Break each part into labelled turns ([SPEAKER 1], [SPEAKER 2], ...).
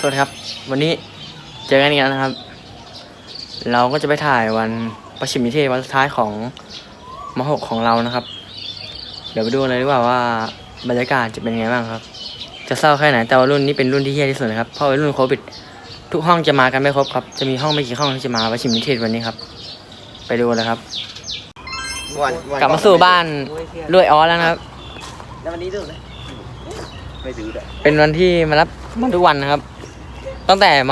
[SPEAKER 1] วัสดีครับวันนี้เจอกันอีกแล้วนะครับเราก็จะไปถ่ายวันประชิมนิเทศวันสุดท้ายของม.6 ของเรานะครับเดี๋ยวไปดูเลยดีกว่าว่าบรรยากาศจะเป็นยังไงบ้างครับจะเศร้าแค่ไหนแต่ว่ารุ่นนี้เป็นรุ่นที่เฮี้ยที่สุดนะครับเพราะเป็นรุ่นโควิดทุกห้องจะมากันไม่ครบครับจะมีห้องไม่กี่ห้องที่จะมาประชิมนิเทศวันนี้ครับไปดูเลยครับกลับมาสู่บ้านด้วยออสแล้วนะครับ
[SPEAKER 2] แล้ววันนี้ดูเลยไม่ซื้อเลย
[SPEAKER 1] เป็นวันที่มารับทุกวันนะครับตั้งแต่ม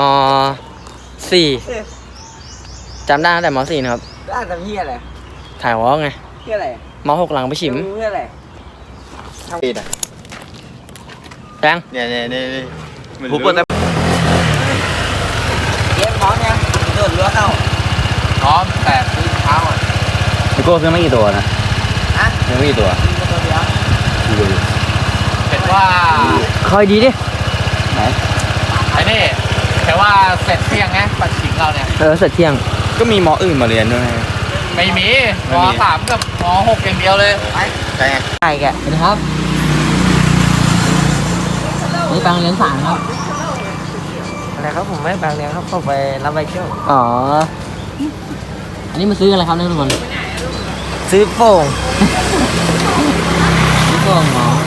[SPEAKER 1] .4 จำได้ตั้งแต่ม.4 นะครับ
[SPEAKER 2] อ่านทำเหี้ยอะไร
[SPEAKER 1] ถ่ายวอล์กไง
[SPEAKER 2] เหี้ยอะไร
[SPEAKER 1] ม.6 หลังไปฉิม
[SPEAKER 2] เหี้ยอะไร
[SPEAKER 3] ทำปีน่ะ
[SPEAKER 1] แจ้ง
[SPEAKER 3] เนี่ย
[SPEAKER 2] ผมปวดแต่เย็บพร้อมยังโดดเรือเข้าพร้อมแต่ซื้อเท้าอ่ะ
[SPEAKER 3] พี่โก้ซื้อไม่กี่ตัวนะซื้อไม่กี่ตัว
[SPEAKER 2] เห็นว่า
[SPEAKER 1] คอยดีดิ
[SPEAKER 3] ไหน
[SPEAKER 2] ไอ้นี่แต่ว่าเสร็จเที่ยงไงปัดฉิงเราเนี่ย
[SPEAKER 1] เสร็จเที่ยง
[SPEAKER 3] ก็มีมออื่นมาเรียนด้วย
[SPEAKER 2] ไม่มีม.3 กับม.6 อย่างเดียวเลย
[SPEAKER 3] ใช่ไง
[SPEAKER 1] ใช่แกสวัสดีครับนี่บางเลี้ยงสารครับ
[SPEAKER 2] อะไรครับผมไม่บางเลี้ยงครับผมไปรับใบเที่ยว
[SPEAKER 1] อ๋ออันนี้มาซื้ออะไรครับทุกคน
[SPEAKER 2] ซื้อโป่ง
[SPEAKER 1] ซื้อโป่งหรอ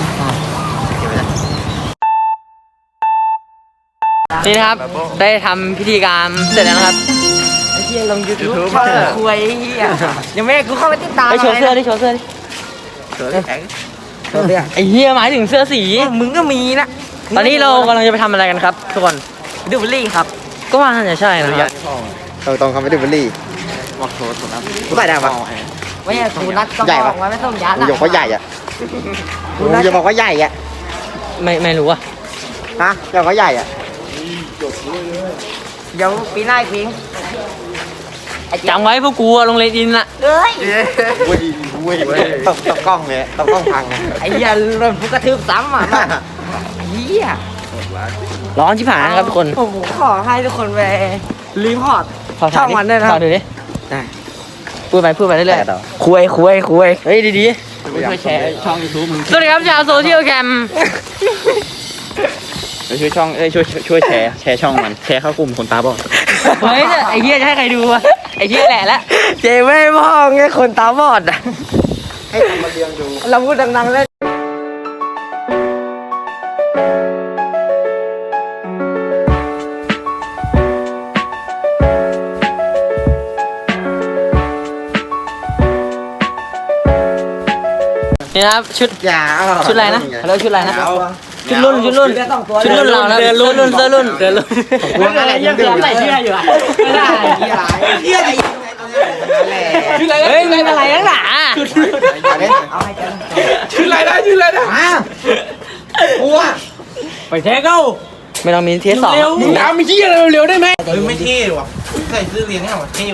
[SPEAKER 1] นี่นะครับได้ทำพิธีกรรมเสร็จแล้วนะครับ
[SPEAKER 2] ไอ้เหี้ยลง YouTube คุยเหี้ยยังไม่กูเข้าไปติดตาม
[SPEAKER 1] ไปโชว์เสื้อดิโชว์เสื้อดิ
[SPEAKER 2] โชว์เสื้อ
[SPEAKER 1] ไอ้เหี้ยหมายถึงเสื้อสี
[SPEAKER 2] มึงก็มีนะ
[SPEAKER 1] ตอนนี้เรากำลังจะไปทำอะไรกันครับทุกคน
[SPEAKER 2] ดูบุลลี่ครับ
[SPEAKER 1] ก็ว่าน่าจะใช่นะครับ
[SPEAKER 3] ตรงคำไม่ดูบุลลี่บอกโทษถูกนะกูใส่ได้ปะ
[SPEAKER 2] ไม่ใช่กูนัดก็บอกไว้ไม่ต้องยัด
[SPEAKER 3] กูบอกว่าใหญ่อะกูจะบอกว่าใหญ่อะ
[SPEAKER 1] ไม่รู้อะ
[SPEAKER 3] ฮะจะบอกว่าใหญ่อะ
[SPEAKER 2] เดี๋ยวปีหน้าอีกปี
[SPEAKER 1] จำไว้พวกกูลงเลดินละ
[SPEAKER 2] เอ้ย
[SPEAKER 3] เว้ยต้องกล้องเลยต้องกล้องพัง
[SPEAKER 2] ไอ้เหี้ยโดนพวกกระทืบซ้ำอ่ะเหี้ย
[SPEAKER 1] ร้อนชิบหายนะครับทุกคน
[SPEAKER 2] ผมขอให้ทุกคนไปรีพอร์ตช่องมันด้วยนะ
[SPEAKER 1] ดูดิพูดไปเรื่อย
[SPEAKER 2] ๆคุย
[SPEAKER 1] เฮ้ยดีๆ
[SPEAKER 2] ช่วยแชร์ช่อง YouTube มึง
[SPEAKER 1] สวัสดีครับชาวโซเชียลแคม
[SPEAKER 3] ช่วยช่องช่วยแชร์ช่องมันแชร์เข้ากลุ่มคนตาบอด
[SPEAKER 1] เฮ้ยไอ้เหี้ยจะให้ใครดูอะไอ้เหี้ยแหละละ
[SPEAKER 2] เจ๊ไม่มองไงคนตาบอดอ่ะ
[SPEAKER 3] ให้ทำมาเรียงดู
[SPEAKER 2] เราพูดดังๆเลย
[SPEAKER 1] นี่นะครับชุดอะไรนะเขาเรียกชุดอะไรนะชุดรุ่นเรานะรุ่นเสื้อรุ่นยังใส่เสื้ออยู่อ่ะไม่ได้เฮ้ยไม่เป็นไรนักหนา
[SPEAKER 2] ชุดอะไรนะ
[SPEAKER 3] กูอะ
[SPEAKER 2] ไปเทสเข้า
[SPEAKER 1] ไม่ต้องมีเทสสอง
[SPEAKER 2] มึงทำไม่เที่ยเร็วได้ไหมไม่เที่ว่ะใส่เสื้อเรียนเนี่ยว่ะเที่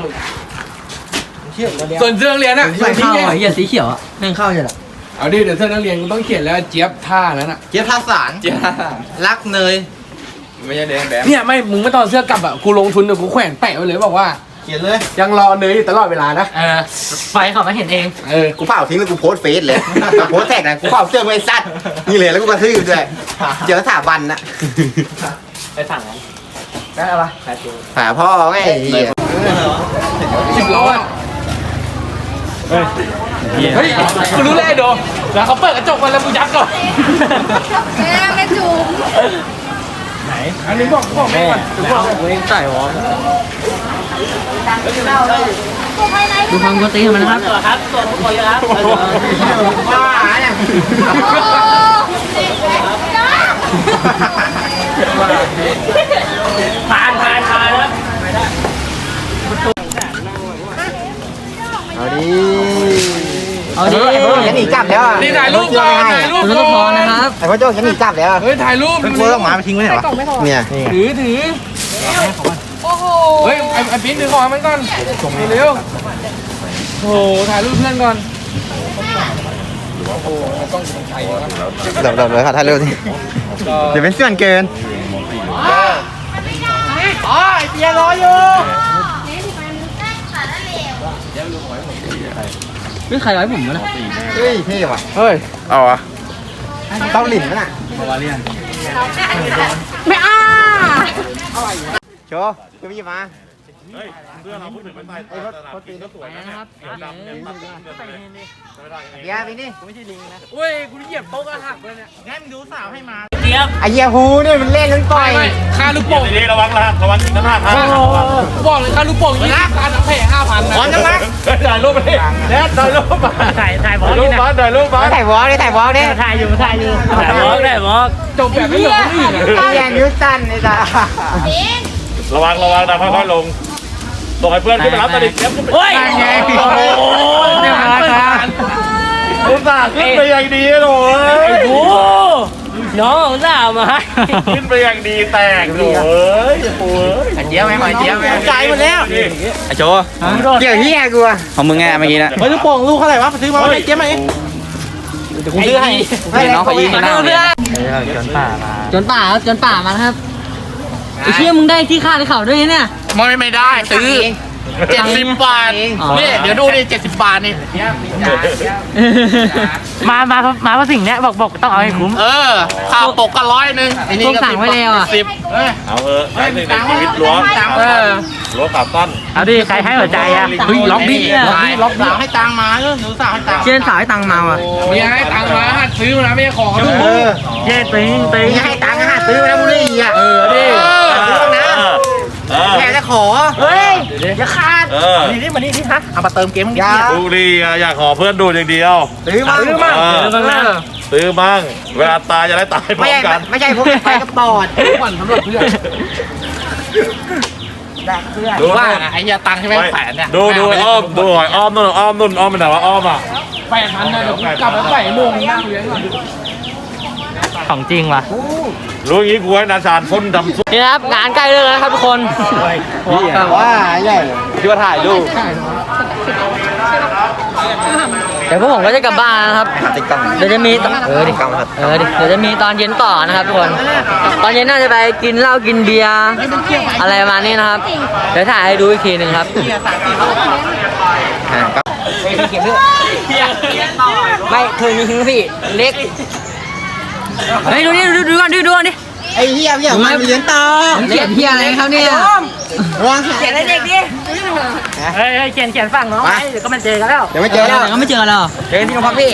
[SPEAKER 2] ส่วนเสื้อเรียนอะ
[SPEAKER 1] ไม่เข้าไอ้เหี้ยสีเขียวอะไม่เข้าใช่หรอ
[SPEAKER 2] เอาดิเดี๋ยวเสื้อนักเรียนกูต้องเขียนแล้วเจี๊ยบท่านั้นอ่ะ
[SPEAKER 3] เจี๊ยบท่าสาร
[SPEAKER 2] รักเนย
[SPEAKER 3] ไม่ใช่แดง
[SPEAKER 2] เนี่ยไม่มึงไม่ตอนเสื้อกลับอ่ะกูลงทุนเดี๋ยวกูแขวนแปะไว้เลยบอกว่า
[SPEAKER 3] เขียนเลย
[SPEAKER 2] ยังรอเนยตลอดเวลานะ
[SPEAKER 1] ไฟเขามาเห็นเอง
[SPEAKER 3] กูเผาทิ้งแล้วกูโพสเฟซเลยโพสแท็กนะกูเผาเสื้อไว้ซัดนี่เลยแล้วกูกระทืบด้วยเจอสถาบันนะ
[SPEAKER 1] ไปสั่งนั้น
[SPEAKER 2] ได้อะไร
[SPEAKER 3] หาพ่อไง
[SPEAKER 2] 10 ล้อเฮ้ยกูรู้แล้วโดแล้วเขาเปิดกระจกมาแล้วกูยัดก่อน
[SPEAKER 4] แม่จูบ
[SPEAKER 2] ไหนอันนี้บอกแม่ก่อน
[SPEAKER 1] กูใส่หัวดูความกวนตีนมันนะครับครับตัวทุกคนครับ
[SPEAKER 2] บ้าเนี่ยผ่านครับ
[SPEAKER 3] เอาดิฉันหนีกลับแล้ว
[SPEAKER 2] นี่ถ่ายรูปก่อน
[SPEAKER 1] พอนะครับ
[SPEAKER 3] ไอ้พ่อโจ้ฉันหนีกลับแล้ว
[SPEAKER 2] เฮ้ยถ่ายรูป
[SPEAKER 3] กูต้องหมาไปทิ้งไว้ไหนวะเนี่ย
[SPEAKER 2] ถือโอ้โหเฮ้ยไอ้ปิ๊นถือของมันก่อนเร็วโอ้โหถ่ายรูปเพื่อนก่อนโอ้โหต้องใช้
[SPEAKER 3] เดี๋ยวถ่ายเร็วสิเดี๋ยวเป็นส่วนเกิน
[SPEAKER 2] อ๋อไอ้เปียรออยู่
[SPEAKER 1] นี่ใครร้อยผมวะเนี่ย
[SPEAKER 3] เฮ้ยเท่ว่ะ
[SPEAKER 2] เฮ้ยเอาอะ
[SPEAKER 3] เต้าหลินมั้ยน่ะ
[SPEAKER 2] มาเรียน
[SPEAKER 4] ไม่อ้า
[SPEAKER 3] โชว์ก็มีมา
[SPEAKER 5] เฮ้ยเพื่อนเราพูดถึงมันใส่สนามกินก็สวยนะครับดำเนี่ยตัดเงินไปไม่ได้
[SPEAKER 3] เดี๋ยวไปนี่
[SPEAKER 2] เว้ยกูเหยียบโต๊ะกระหักเลยเนี่ย
[SPEAKER 3] ไอ้เหี้ยฮูเนี่ยมันเล่นกันก่อย
[SPEAKER 2] ค่าลูกโป่ง
[SPEAKER 5] ดีๆระวังนะระวังน้ำหนักนะ
[SPEAKER 2] บอกเลยค่าลูกโป่งยี่สิบการแผ่5,000นะ
[SPEAKER 3] พร้อมจังมั้ย
[SPEAKER 5] ถ่ายรูปไปดิแนทถ่ายรูปมาถ่ายรูปมาถ่ายรูปมา
[SPEAKER 3] ถ่ายวอล์กดิถ่ายวอล์กดิ
[SPEAKER 1] ถ่ายวอล์ก
[SPEAKER 2] จบแบบไม่เหลือคนอื่น
[SPEAKER 3] ไอ้เหี้ยนิ้วสั้นไอ้ตา
[SPEAKER 5] ระวังนะค่อยๆลงส่งให้เพื่อนขึ้นไปรับตะลิงเก็บขึ้นไป
[SPEAKER 1] เฮ้ย
[SPEAKER 5] โอ้โห
[SPEAKER 1] เนี่ยมาครับ
[SPEAKER 5] อุตส่าห์ขึ้นไปอย่างดีโถ่เอ้ย
[SPEAKER 1] โอ้น้องสาวมาให้
[SPEAKER 5] ขึ้นไปอย่างดีแตกโถ่เอ้ยโอ้ย
[SPEAKER 3] เจี๊ยบไหมหอยเจี๊ยบไหม
[SPEAKER 5] ใจหมดแล้ว
[SPEAKER 3] ไอ้โจเกี่ยวเหี้ยกูอะของมึงไงเมื่อกี้นะ
[SPEAKER 2] เฮ้ยลูกโป่งลูกเท่าไหร่วะซื้อมาให้เจ๊ไหมเดี๋ยวกูซื้อให้
[SPEAKER 3] ให้น้องเขายิง
[SPEAKER 1] เพื่อน
[SPEAKER 3] จนป่ามา
[SPEAKER 1] จนป่าครับจนป่ามาครับไอ้เชี่ยมึงได้ที่คาดเขาด้วยเนี่ย
[SPEAKER 2] ไม่ได้ซื้อ70 บาทนี่เดี๋ยวดูดิ70 บาทนี่
[SPEAKER 1] มาพระสิงห์เนี่ยบอกต้องเอาให้คุ้ม
[SPEAKER 2] ข้าวปกก็100ไอ้นี่
[SPEAKER 1] พวก
[SPEAKER 2] ก็
[SPEAKER 1] สั่งไว้แล้วอะ
[SPEAKER 2] 10
[SPEAKER 5] เอาเถอะครั้งหนึ่งในชีวิตล้วงขาสั้น
[SPEAKER 1] เอาดิใครให้หัวใจอ่ะ
[SPEAKER 2] เฮ้ยล็อกดิล็อกดิให้ตังค์มาหนูสาวให้ตังค์
[SPEAKER 1] เชี่ยสาวให้ตังค์มาว่ะ
[SPEAKER 2] มีให้ตังค์มาหัดซื้อมานะไม่ใช่ของเขาดู
[SPEAKER 1] เชี่ยตึง
[SPEAKER 3] มึงให้ตังค์หาซื้อมาแล้วมึงนี่อ่ะ
[SPEAKER 2] ดิ
[SPEAKER 3] ซื้อบ้างนะแค่จะขอ
[SPEAKER 1] เฮ้ยอย่าขาด
[SPEAKER 2] นี่มานี่ที่ฮะเอามาเติมเกมมึงดิ
[SPEAKER 5] ดูดีอยากขอเพื่อนดูอย่างเดียว
[SPEAKER 3] ซื้อมา
[SPEAKER 2] ซื้อมา
[SPEAKER 5] ซื้อมั่งเวลาตายจะได้ตายพร้อ
[SPEAKER 3] ไม่
[SPEAKER 5] ม
[SPEAKER 3] ใช่
[SPEAKER 5] กัน
[SPEAKER 3] ไม่ใช่พวกไปกับปอด
[SPEAKER 2] ก่อนสำหรับเพื่อน
[SPEAKER 5] ดู
[SPEAKER 2] ว่าไอ้เหี้ยตังค์ใช่ไหมแสนเนี่ย
[SPEAKER 5] ดูอ้อมดูหอยอ้อมนู่นอ้อมไปไหนวะอ้อมอ่ะ
[SPEAKER 2] 8,000นะเดี๋ยวกูกลับไปใส่โมงนั่งเลี้ยงก่อน
[SPEAKER 1] ของจริงว่ะ
[SPEAKER 5] รู้อย่างงี้กูให้นาชานพ่นดำซุป
[SPEAKER 1] นี่นะครับงานใกล้เลิกแล้วครับทุกคน
[SPEAKER 3] แต่ว่าใหญ่
[SPEAKER 5] ที่ว่าถ่ายรูป
[SPEAKER 1] เดี๋ยวพวกผมก็จะกลับบ้านนะครับ
[SPEAKER 3] ติ๊กต็อก
[SPEAKER 1] เดี๋ยวจะมีตอน
[SPEAKER 3] ติ๊กต็อกครับ
[SPEAKER 1] เดี๋ยวจะมีตอนเย็นต่อนะครับทุกคน ตอนเย็นน่าจะไปกินเหล้ากินเบียร์อะไรประมาณนี้นะครับ เดี๋ยวถ่ายให้ดูอีกทีหนึ่งครับ
[SPEAKER 3] เก็บเรื่อง
[SPEAKER 1] ไม่คืนนี้ทิ้งพี่เล็กเฮ้ยดูนี่ดูก่อนดูก่อนดิ
[SPEAKER 3] ไอ้เหี้ยพี่มันเลี้ยงต่อ
[SPEAKER 1] เขียนเฮียอะไรครับเนี่ย
[SPEAKER 3] ระวัง
[SPEAKER 1] เขียนอะไรเด็กดิเฮ้ยเขียนฝั่งน้องไว้เดี๋ยวก็มาเจอกันแล้ว
[SPEAKER 3] เดี๋ยวไม่เจอแล้ว
[SPEAKER 1] เดี๋ยวก็ไม่เจอแล้วเจอที่โรงพักพี่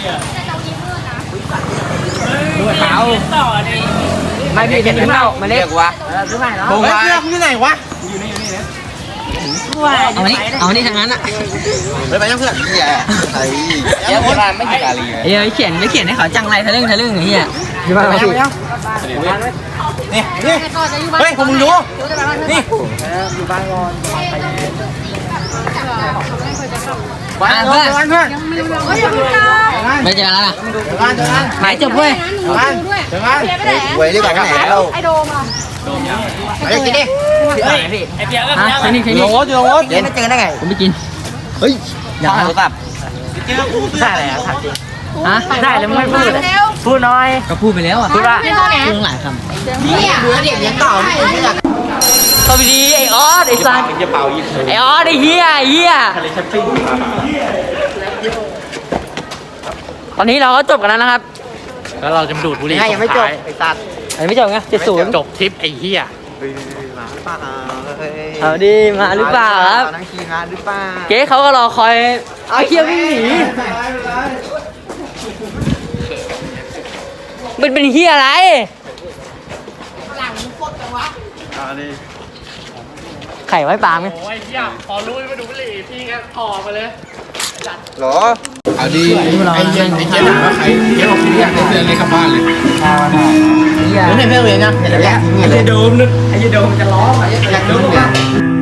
[SPEAKER 1] เอาไม่พี่เขียนเหล้ามาเล็กวะซื้อใหม่เนาะ
[SPEAKER 3] เฮ้ยเสื้อมึงอยู่ไหนวะ
[SPEAKER 1] เอานี่ทางนั้นอ่ะ
[SPEAKER 3] เฮ้ยไปยังเพื่อนเหี้ยไอ้เหี้ยคนไม่กี่กาลี
[SPEAKER 1] เอ้ยเขียนให้เขาจังไรทะลึ่งไอ้เหี้ย
[SPEAKER 3] อยู่บ้านพี่นี่เฮ้ยผมมึงดูนี่บ้านเพื่อนบ้านเพื่อน
[SPEAKER 4] เฮ้ยอย่าเพิ่งกลับ
[SPEAKER 1] ไม่เจอแล้วนะ
[SPEAKER 3] บ้านเจอกัน
[SPEAKER 1] หายจบเว้ย
[SPEAKER 4] หนูด้วย
[SPEAKER 3] เจอกัน
[SPEAKER 4] เพียไปไหน
[SPEAKER 3] หวยดีกว่าไหนเรา
[SPEAKER 4] ไอโดมอ่ะ
[SPEAKER 3] ไปกินดิ
[SPEAKER 1] พี่ไอเปียก็ใช่นี่
[SPEAKER 3] โน้ตโน้ตเดี๋ยวไม่เจอได้ไง
[SPEAKER 1] ผมไม่กิน
[SPEAKER 3] เฮ้ย
[SPEAKER 1] อย่า
[SPEAKER 3] โทรศัพท์ได้อะไรอ่ะถามจริง
[SPEAKER 1] ฮะได้แล้วไม่พูด
[SPEAKER 4] เร็ว
[SPEAKER 1] พูดน้อยก็พูดไปแล้วอ่ะ
[SPEAKER 4] พูดว่าไม่ต้องไหน
[SPEAKER 1] พูดหลายค
[SPEAKER 4] เนี่ย
[SPEAKER 3] ดูเด็กเลี้ยงต่อไม่อยาก
[SPEAKER 1] ำสวัสดีไอออสไอซัน
[SPEAKER 3] จะเป่ายิง
[SPEAKER 1] ไอออสไอเฮียตอนนี้เราก็จบกันแล้วนะครับ
[SPEAKER 2] แล้วเราจะมาดูดบุหรี่
[SPEAKER 3] ให้ยังไม่จบไอ้สัตว์
[SPEAKER 1] อันนี้ไม่จบไง70
[SPEAKER 2] จบทริปไอ้เหี้ย
[SPEAKER 3] มาป่า
[SPEAKER 1] เอาดีมาหรือเปล่าครับ
[SPEAKER 3] นังขี่มาหรือเปล่า
[SPEAKER 1] เก๊เขาก็รอคอยเอาเฮียวิ่งหนีมันเป็นเฮียอะไรไข่ไว้ปางไหม
[SPEAKER 2] โอ้ยเหี้ยพอรู้มาดูบุหรี่พี่ก็ถอมาเลย
[SPEAKER 3] หรอเอาดี
[SPEAKER 1] ไอ้เจ๊ถามว่าใคร
[SPEAKER 2] เดี๋ยวบอกพี่อยากได้เสื้อเล็กกลับบ้านเลย
[SPEAKER 1] เฮีย
[SPEAKER 3] ไม่เพื่อนเลยนะเดี๋ยวอยาก
[SPEAKER 1] ไอ้โดมนึกไอ้โดมจะร้อง
[SPEAKER 3] อยากดูเนี่ย